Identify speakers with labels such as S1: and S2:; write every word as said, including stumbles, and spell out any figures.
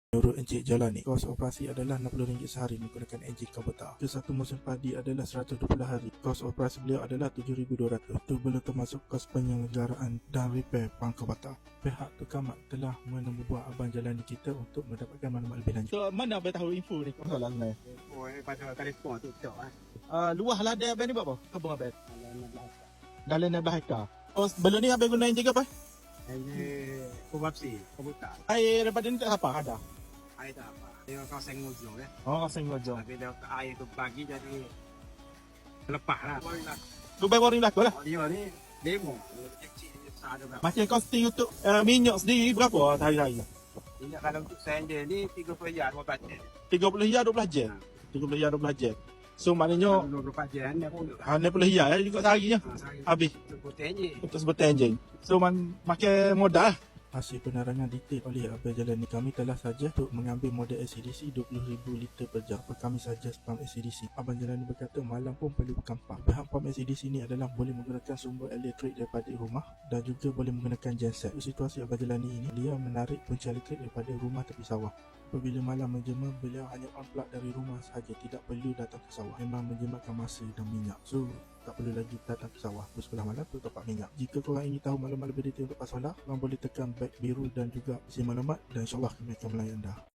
S1: Menurut Encik Jalani, kos operasi adalah enam puluh ringgit sehari menggunakan enjin Kubota. Ke satu musim padi adalah seratus dua puluh hari. Kos operasi beliau adalah tujuh ribu dua ratus. Itu belum termasuk kos penyelenggaraan dan repair pang Kubota. Pihak Tukamat telah menemui buah Abang Jalani kita untuk mendapatkan maklumat lebih lanjut.
S2: So, mana abang tahu info ni? Masalah sebenarnya.
S3: Oh, eh, pada telefon tu cok ah.
S2: Uh, luah ladang abang ni berapa? Kebun abang?
S3: Kalau nak belakang.
S2: Dalam enam belas hektar. Oh, sebelum ni abang guna enjin ke apa?
S3: Ini kubapsi, kebuka.
S2: Air daripada ni tak apa? Ada.
S3: Air tak apa. Dia kau senggol je eh.
S2: Oh, kasing gojong.
S3: Tapi dia air tu pagi jadi lepas lah.
S2: Tu baru ni berlaku lah.
S3: Oh, dia ni demo. Kecil je besar ada berapa.
S2: Macam costing untuk uh, minyak sendiri berapa hari-hari?
S3: Ini kalau untuk sender ni tiga puluh jar dua belas jar.
S2: tiga puluh hingga dua belas jam. tiga puluh hingga dua belas jam. So maknanya
S3: dua puluh empat jar ni pun.
S2: enam puluh hingga ya juga seharinya. Habis
S3: Sebutnya je.
S2: untuk sebutan enjin. So man makan modal lah.
S1: Hasil penerangan detail oleh Abang Jalani, kami telah saja untuk mengambil model A C D C dua puluh ribu liter per jam. Kami saja pam A C D C. Abang Jalani berkata malam pun perlu berkampang. Pihak pam A C D C ni adalah boleh menggunakan sumber elektrik daripada rumah dan juga boleh menggunakan genset. Situasi Abang Jalani ini, dia menarik punca elektrik daripada rumah tepi sawah. Apabila malam menjema, beliau hanya on plug dari rumah sahaja, tidak perlu datang ke sawah. Memang menjimatkan masa dan minyak. So, tak perlu lagi datang ke sawah pukul sebelah malam untuk top up minyak. Jika korang ingin tahu maklumat lebih detail untuk Pasola, korang boleh tekan back biru dan juga isi maklumat dan insyaAllah kami akan melayan anda.